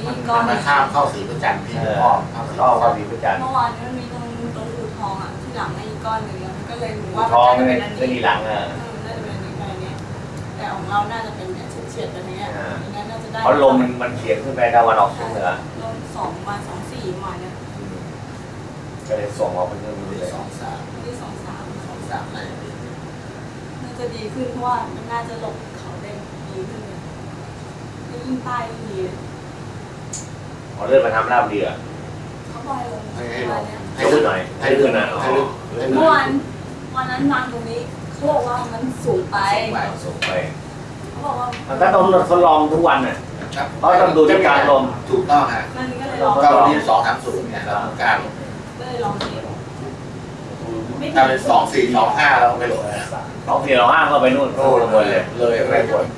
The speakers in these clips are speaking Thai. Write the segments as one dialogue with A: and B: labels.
A: มีก้อนข้ามเข้าสีประจันทร์ที่อ้อมเข้าสีประจันทร์
B: เมื่อวานนี้มันมีตรงอู่ทองอ่ะที่หลังไอ้ก้อนหนึ่งมันก็เลยรู้ว่า
A: ทอง
B: น่าจะเป็นอัน
A: ไม่
B: นี้
A: มีหลังอ่ะ
B: น่าจะเป็นอันนี้ไปนี้แต่ของเราน่าจะเป็นเนี่ยเฉียดๆแบบนี้งั้นน่าจะได้
A: เพราะลมมันเฉียงขึ้นไปตะวันออกเฉียงเหนือ
B: ลม2 วัน 2 4ประมาณเนี้ย
A: ก็เลยส่งออกไปเรื่อยๆ
B: ที่2 3น่าจะดีขึ้นเพราะว่ามันน่าจะหลบเขาได้ดีขึ้นยิ่งใต้ยิ่งดี
A: เลื่อนมาทำราบเรือ
B: เขาบอยลง
A: ให้ลื่นหน่อยให้ลื่นนะ
B: เมื่อวันนั้นวางตรงนี้เขาบอกว่ามันสูงไปเขาบอกว่า
A: มันก็ต้องทดลองทุกวันน่ะเพราะต้องดูที่การลม
C: ถูกต้องฮะ
B: มันก็เลยลอง
C: ก็วันที่230เนี่ยเราต้องการ
B: ก็เลยลองเทป
C: ถ้าเป็น2425เราไม่หลงนะ
A: 2425ก็ไปนู่นลงบนเลย
C: ไปบน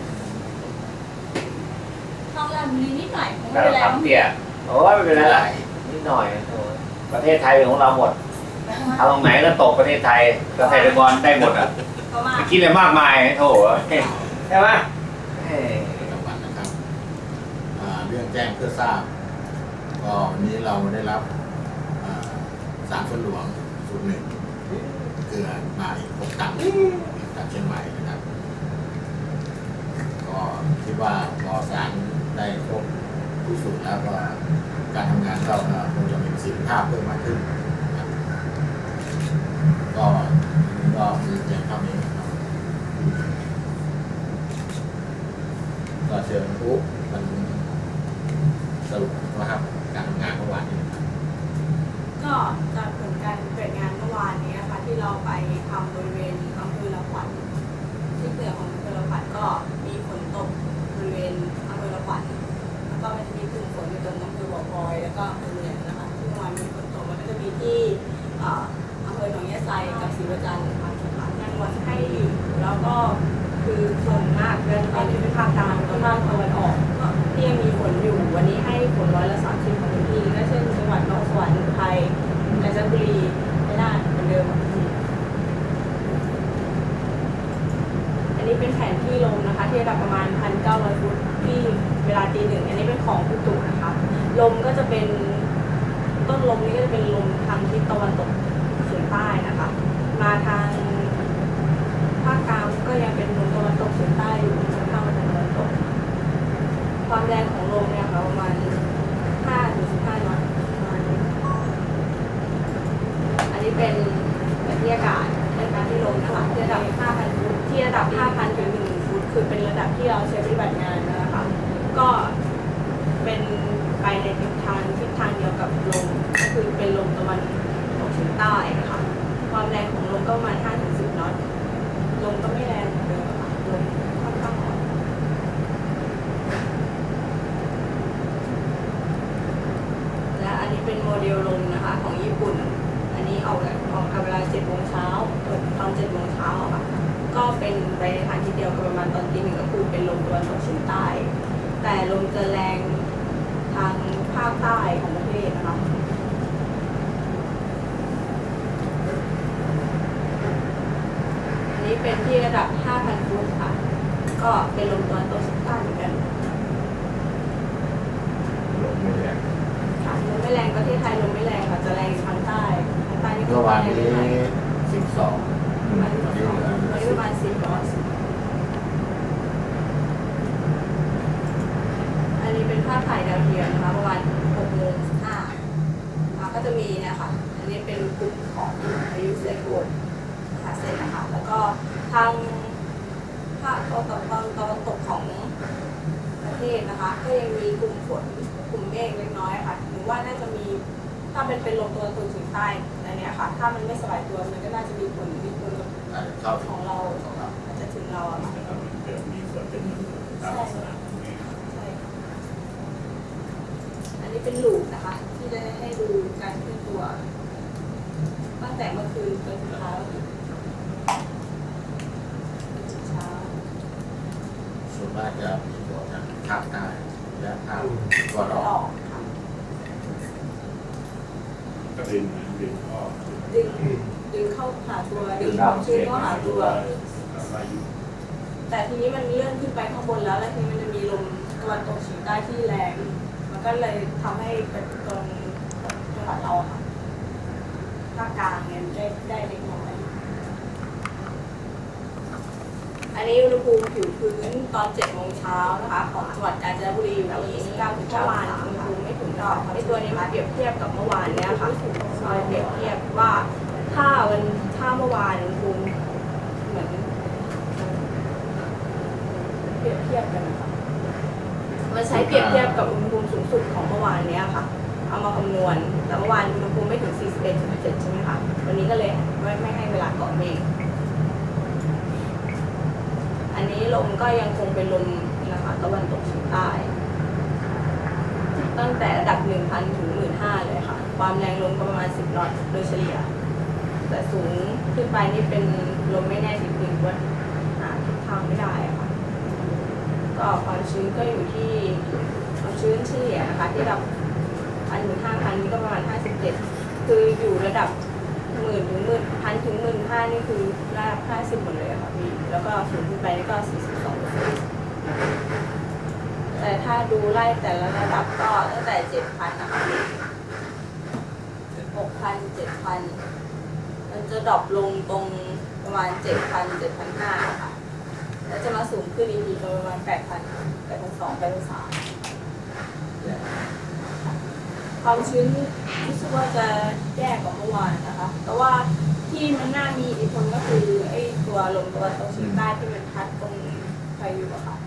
B: ทำแรงนิดหน่อยไม่เป็นไร
A: ทำเตี้ยโอ้ยไม่เป็นไรนิดหน่อยประเทศไทยของเราหมดเอาตรงไหนก็ตกประเทศไทยเกษตรกรได้หมดอ่ะไม่คิดอะไรมากมายโถ่ใช่ไหม
C: เรื่องแจ้งเพื่อทราบก็วันนี้เราได้รับสารฝนหลวงสูตร1เกลือมาอีก6 ตันจากเชียงใหม่นะครับก็คิดว่าพอสารได้ครบทุกสูตรแล้วก็การทำงานเราคงจะมีประสิทธิภาพเพิ่มมากขึ้นก็มีแจ้งเท่านี้ครับก็เชิญปุ๊บมันสรุปนะครับการทำงานเมื่อวานนี้
B: ก็จากผลการเปิดงานเมื่อวานนี้นะคะที่เราไปทำบริเวณอำเภอละขวัญที่เหนือของอำเภอละขวัญก็มีฝนตกบริเวณอำเภอละขวัญแล้วก็มันจะมีกลุ่มฝนอยู่ตรงอำเภอบ่อพลอยแล้วก็อำเภอเมืองนะคะที่เมื่อวานมีฝนตกมันก็จะมีที่อำเภอหนองยะไซกับศรีประจันทร์ยังวัดให้แล้วก็คือฝนมากเดือนตอนนี้เป็นภาคกลางกับภาคตะวันออกที่ยังมีฝนอยู่วันนี้ให้ฝน30%ของพื้นที่ก็เช่นจังหวัดนครสวรรค์อุทัยกาญจนบุรีไม่น่าเหมือนเดิมอันนี้เป็นแผนที่ลมนะคะที่ระดับประมาณ 1,900 ฟุตที่เวลาตี 1อันนี้เป็นของอุตุนะคะลมก็จะเป็นต้นลมนี้ก็จะเป็นลมทางทิศตะวันตกเฉียงใต้นะคะมาทางภาคกลางก็ยังเป็นลมตะวันตกเฉียงใต้อยู่จะเข้ามาทางตะวันตกความแรงของลมเนี่ยค่ะประมาณ5-15 น็อตอันนี้เป็นบรรยากาศในการที่ลมนะคะที่ระดับ 5,000 ฟุตที่ระดับ 5,000 ถึง 1,000 ฟุตคือเป็นระดับที่เราใช้ปฏิบัติงานนะคะก็เป็นไปในทิศทางเดียวกับลมก็คือเป็นลมตะวันตกเฉียงใต้นะคะความแรงของลมก็ประมาณ 5-10 น็อตลมก็ไม่แรงเหมือนเดิมค่ะลมค่อนข้างอ่อนและอันนี้เป็นโมเดลลมนะคะของญี่ปุ่นอันนี้ออกกับเวลา 7 โมงเช้าตอน 7 โมงเช้าค่ะก็เป็นไปในทางที่เดียวกับประมาณตอนตี 1ก็คือเป็นลมตะวันตกเฉียงใต้แต่ลมจะแรงทางภาคใต้ของประเทศนะคะอันนี้เป็นที่ระดับ 5,000 ฟุตค่ะก็เป็นลมตะวันตกเฉียงใต้เหมือนกัน
C: ลมไม่แรง
B: ค่ะลมไม่แรงประเทศไทยลมไม่แรงค่ะจะแรงทางใต้นี่
C: เมื่อวานนี้12
B: วันนี้ประมาณ10 น็อตอันนี้เป็นภาพถ่ายดาวเทียมนะคะประมาณ 6:15ก็จะมีนะคะอันนี้เป็นกลุ่มของพายุไซโคลนนะคะเสร็จนะคะแล้วก็ทางภาคตะวันตกของประเทศนะคะก็ยังมีกลุ่มฝนกลุ่มเมฆเล็กน้อยค่ะหรือว่าน่าจะมีถ้าเป็นลมตะวันตกเฉียงใต้อันนี้ค่ะถ้ามันไม่สบายตัวมันก็น่าจะมีผลของเราอาจจะถึงเราอะค่ะ
C: มีส่วนเป็นตามลักษณะ
B: อันนี้เป็นลูปนะคะที่จะให้ดูการเคลื่อนตัวตั้งแต่เมื่อคืนจนถึงเช้า
C: ส่วนมากจะมีตัวทางภาคใต้และภาคตะวันออก
A: ก็ดึงเข้า
B: หาตัวดึงความชื้นเข้าหาตัวแต่ทีนี้มันเลื่อนขึ้นไปข้างบนแล้วทีนี้มันจะมีลมตะวันตกเฉียงใต้ที่แรงมันก็เลยทำให้เป็นตรงจังหวัดเราค่ะภาคกลางเนี่ยได้เล็กน้อยอันนี้อุณหภูมิผิวพื้นตอน7 โมงเช้านะคะของจังหวัดกาญจนบุรีอยู่ที่29 ถึง เมื่อวานอุณหภูมิไม่ถึงดอกไอ้ตัวนี้มาเปรียบเทียบกับเมื่อวานเนี่ยค่ะมาเปรียบเทียบว่าถ้าเมื่อวานอุณหภูมิเหมือนเปรียบเทียบกันนะคะมันใช้เปรียบเทียบกับอุณหภูมิสูงสุดของเมื่อวานเนี้ยค่ะเอามาคำนวณแต่เมื่อวานอุณหภูมิไม่ถึง 41.7 ใช่ไหมคะวันนี้ก็เลยไม่ให้เวลาเกาะเมฆอันนี้ลมก็ยังคงเป็นลมนะคะตะวันตกเฉียงใต้ตั้งแต่ระดับ 1,000 ถึง 15,000 เลยค่ะความแรงลมก็ประมาณ10 นอตโดยเฉลี่ยแต่สูงขึ้นไปนี่เป็นลมไม่แน่ทิศทางว่าหาทิศทางไม่ได้ค่ะก็ความชื้นก็อยู่ที่ความชื้นเฉลี่ยนะคะที่ระดับ 1,000 ถึง 5,000 นี่ก็ประมาณ 57 คืออยู่ระดับ 10,000 ถึง 1,000 ถึง 15,000 นี่คือระดับ 50 หมดเลยค่ะพี่แล้วก็สูงขึ้นไปนี่ก็ 42%แต่ถ้าดูไล่แต่ละระดับก็ตั้งแต่ 7,000 นะคะ 6,000 7,000 มันจะดรอปลงตรงประมาณ 7,000 7,500 ค่ะแล้วจะมาสูงขึ้นอีกทีประมาณ 8,000 8,200 8,300 ความชื้นรู้สึกว่าจะแย่กว่าเมื่อวานนะคะ แต่ว่าที่มันน่ามีอิทธิพลก็คือไอ้ตัวลมตะวันตกเฉียงใต้ที่มันพัดตรงพายุอะค่ะ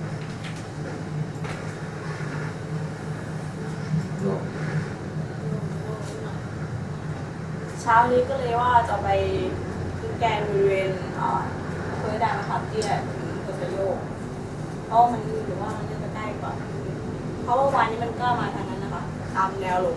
B: เช้านี้ก็เลยว่าจะไปขึ้นแกนบริเวณอำเภอด่านมะขามเตี้ยถึงกัสโยกเพราะมันหรือว่ามันจะใกล้กว่าเพราะว่าวันนี้มันก็มาทางนั้นนะคะตามแนวลม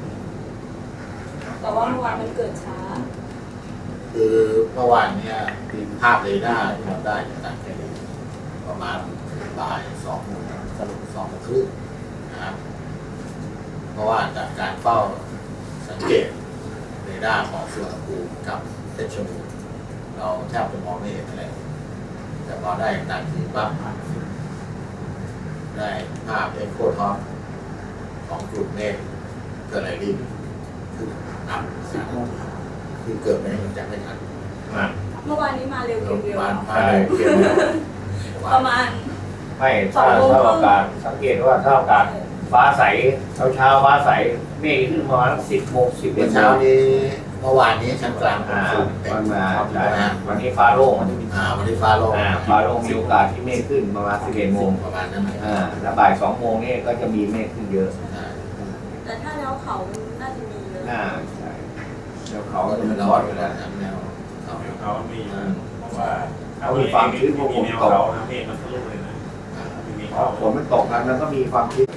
B: แต่ว่าเมื่อวานมันเกิดช้า
C: คือเมื่อวานเนี่ยภาพเรดาร์ที่เราได้จากแค่นี้ประมาณบ่าย 2 โมงสรุป2 โมงครึ่งนะครับเพราะว่าจากการเฝ้าสังเกตเรดาร์ของสุวรรณภูมิกับเพชรบูรณ์เราแทบจะมองไม่เห็นอะไรแต่พอได้ต่างทีปั๊บได้ภาพเอ็กโคท็อปของกลุ่มเมฆเกิดอะไรขึ้นคือนับคือเกิดไม่มันจะไม่ทัน
B: เมื่อวานนี้มาเร็วเร็ว
A: ประมาณไม่ถ้าอากาศสังเกตว่าถ้าอากาศฟ้าใสเช้าฟ้าใสเมฆขึ้นประมาณ10 โมง 11 โมง
C: เช้านี้เมื่อวานนี้ชั้นกลาง
A: วันมาวันนี้ฟ้าโล่งวัน
C: นี้ฟ้าโล่ง
A: มีโอกาสที่เมฆขึ้นประมาณ11 โมง
C: ประมาณนั้น
A: แล้วบ่าย 2 โมงนี่ก็จะมีเมฆขึ้นเยอะ
B: แต่ถ้าแล้วเขาน่าจะมีเยอะ
A: ใช่แล้วเขา
C: จะ
A: มี
C: ร้อนเวลาแนว
D: เขามีว่า
A: เขามีความชื้นพวกฝนตก
D: นะเมฆมันทะลุเลยนะ
A: ฝนมันตกแล้วก็มีความชื้น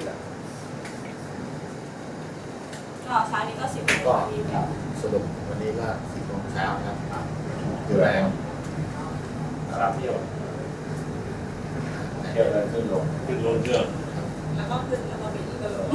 B: ก็เช้านี้ก็10 โมง
C: ก็สรุปวันนี้ก็10 โมงเช้าครับคือแรง
D: เที่ยว
A: เลยขึ้นลง
D: เครื่อง
B: แล้วก็ขึ้นแล้วก็บินก็ลง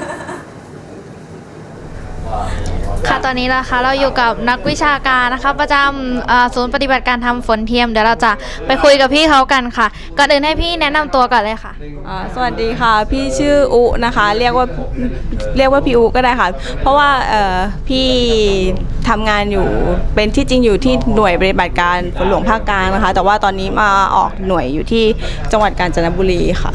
E: ค่ะตอนนี้นะคะเราอยู่กับนักวิชาการนะคะประจำศูนย์ปฏิบัติการทำฝนเทียมเดี๋ยวเราจะไปคุยกับพี่เขากันค่ะก่อนอื่นให้พี่แนะนำตัวก่อนเลยค่ะ
F: สวัสดีค่ะพี่ชื่ออุนะคะเรียกว่าพี่อุก็ได้ค่ะเพราะว่าพี่ทำงานอยู่เป็นที่จริงอยู่ที่หน่วยปฏิบัติการฝนหลวงภาคกลางนะคะแต่ว่าตอนนี้มาออกหน่วยอยู่ที่จังหวัดกาญจนบุรีค่ะ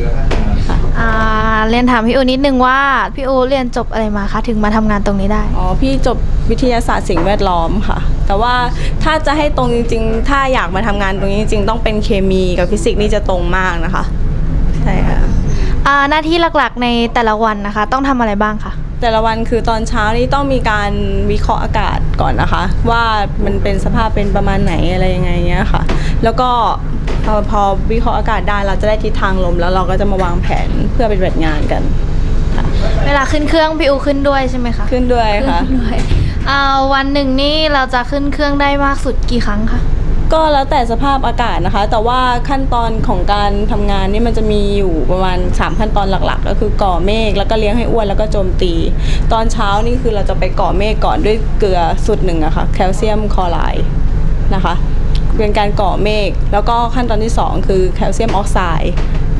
E: เรียนถามพี่อูนิดนึงว่าพี่อูเรียนจบอะไรมาคะถึงมาทำงานตรงนี้ได้
F: พี่จบวิทยาศาสตร์สิ่งแวดล้อมค่ะแต่ว่าถ้าจะให้ตรงจริงๆถ้าอยากมาทำงานตรงนี้จริงๆต้องเป็นเคมีกับฟิสิกส์นี่จะตรงมากนะคะใช่ค่ะ
E: หน้าที่หลักๆในแต่ละวันนะคะต้องทำอะไรบ้างคะ
F: แต่ละวันคือตอนเช้านี้ต้องมีการวิเคราะห์อากาศก่อนนะคะว่ามันเป็นสภาพเป็นประมาณไหนอะไรยังไงเงี้ยค่ะแล้วก็พอวิเคราะห์อากาศได้เราจะได้ทิศทางลมแล้วเราก็จะมาวางแผนเพื่อปฏิบัติงานกัน
E: เวลาขึ้นเครื่องพี่อูขึ้นด้วยใช่ไหมคะ
F: ขึ้นด้วยค่ะ
E: วันหนึ่งนี่เราจะขึ้นเครื่องได้มากสุดกี่ครั้งคะ
F: ก็แล้วแต่สภาพอากาศนะคะแต่ว่าขั้นตอนของการทำงานนี่มันจะมีอยู่ประมาณ3 ขั้นตอนหลักๆก็คือก่อเมฆแล้วก็เลี้ยงให้อ้วนแล้วก็โจมตีตอนเช้านี่คือเราจะไปก่อเมฆก่อนด้วยเกลือสูตร1อะค่ะแคลเซียมคลอไรด์นะคะเป็นการก่อเมฆแล้วก็ขั้นตอนที่2คือแคลเซียมออกไซด์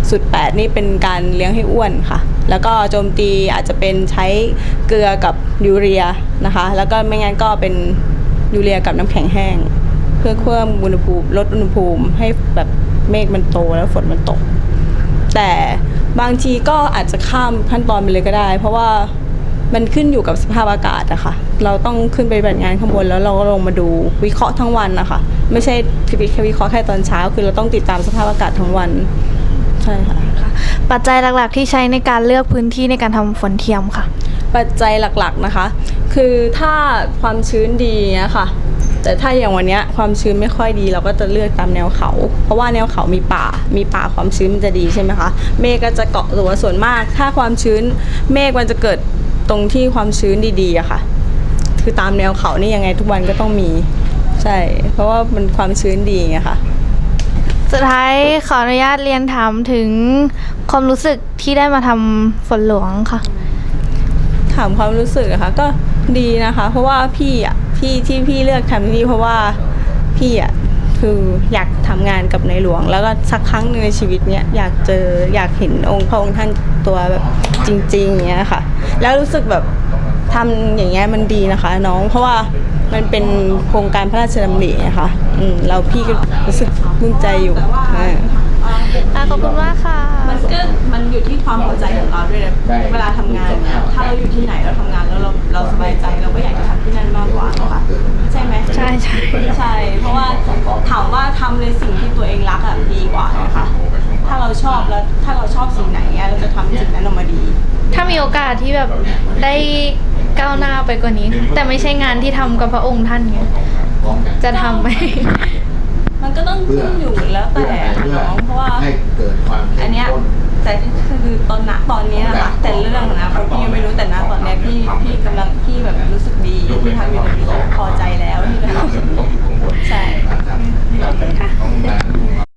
F: สูตร8นี่เป็นการเลี้ยงให้อ้วนค่ะแล้วก็โจมตีอาจจะเป็นใช้เกลือกับยูเรียนะคะแล้วก็ไม่งั้นก็เป็นยูเรียกับน้ำแข็งแห้งเพื่อเพิ่มอุณหภูมิลดอุณหภูมิให้แบบเมฆมันโตแล้วฝนมันตกแต่บางทีก็อาจจะข้ามขั้นตอนไปเลยก็ได้ เพราะว่ามันขึ้นอยู่กับสภาพอากาศอะค่ะเราต้องขึ้นไปปฏิบัติงานข้างบนแล้วเราก็ลงมาดูวิเคราะห์ทั้งวันนะคะไม่ใช่แค่วิเคราะห์แค่ตอนเช้าคือเราต้องติดตามสภาพอากาศทั้งวันใช่ค่ะ
E: ปัจจัยหลักๆที่ใช้ในการเลือกพื้นที่ในการทำฝนเทียมค่ะ
F: ปัจจัยหลักๆนะคะคือถ้าความชื้นดีเนี่ยค่ะแต่ถ้าอย่างวันนี้ความชื้นไม่ค่อยดีเราก็จะเลือกตามแนวเขาเพราะว่าแนวเขามีป่าความชื้นมันจะดีใช่ไหมคะเมฆก็จะเกาะตัวส่วนมากถ้าความชื้นเมฆมันจะเกิดตรงที่ความชื้นดีๆอะค่ะคือตามแนวเขานี่ยังไงทุกวันก็ต้องมีใช่เพราะว่ามันความชื้นดีไงค่ะ
E: สุดท้ายขออนุญาตเรียนถามถึงความรู้สึกที่ได้มาทำฝนหลวงค่ะ
F: ถามความรู้สึกอะค่ะก็ดีนะคะเพราะว่าพี่ที่พี่เลือกทำที่นี่เพราะว่าพี่คืออยากทำงานกับในหลวงแล้วก็สักครั้งหนึ่งในชีวิตเนี้ยอยากเห็นองค์พระองค์ท่านตัวแบบจริงๆอย่างเงี้ยค่ะแล้วรู้สึกแบบทำอย่างเงี้ยมันดีนะคะน้องเพราะว่ามันเป็นโครงการพระราชดำรินะคะเราพี่ก็รู้สึกภูมิใจอยู่
E: ขอบคุณมากค่ะ
F: มันอยู่ที่ความพอใจของเราด้วยนะเวลาทำงานเนี่ยถ้าเราอยู่ที่ไหนเราทำงานแล้วเราสบายใจเราก็อยากจะทำที่นั่นมากกว่าค่ะใช่ไหม
E: ใช่
F: เพราะว่าถามว่าทำในสิ่งที่ตัวเองรักดีกว่านะคะถ้าเราชอบแล้วถ้าเราชอบสิ่งไหนเราจะทำสิ่งนั้นออกมาดี
E: ถ้ามีโอกาสที่แบบได้ก้าวหน้าไปกว่านี้แต่ไม่ใช่งานที่ทำกับพระองค์ท่านเงี้ยจะทำไหม
F: มันก็ต้องขึ้นอยู่แล้วแต่น้องเพราะว่าอันเนี้ยแต่คือตอนนี้นะคะแต่เรื่องนะพี่ยังไม่รู้แต่ณตอนนี้พี่แบบรู้สึกดีที่ทำอยู่ใน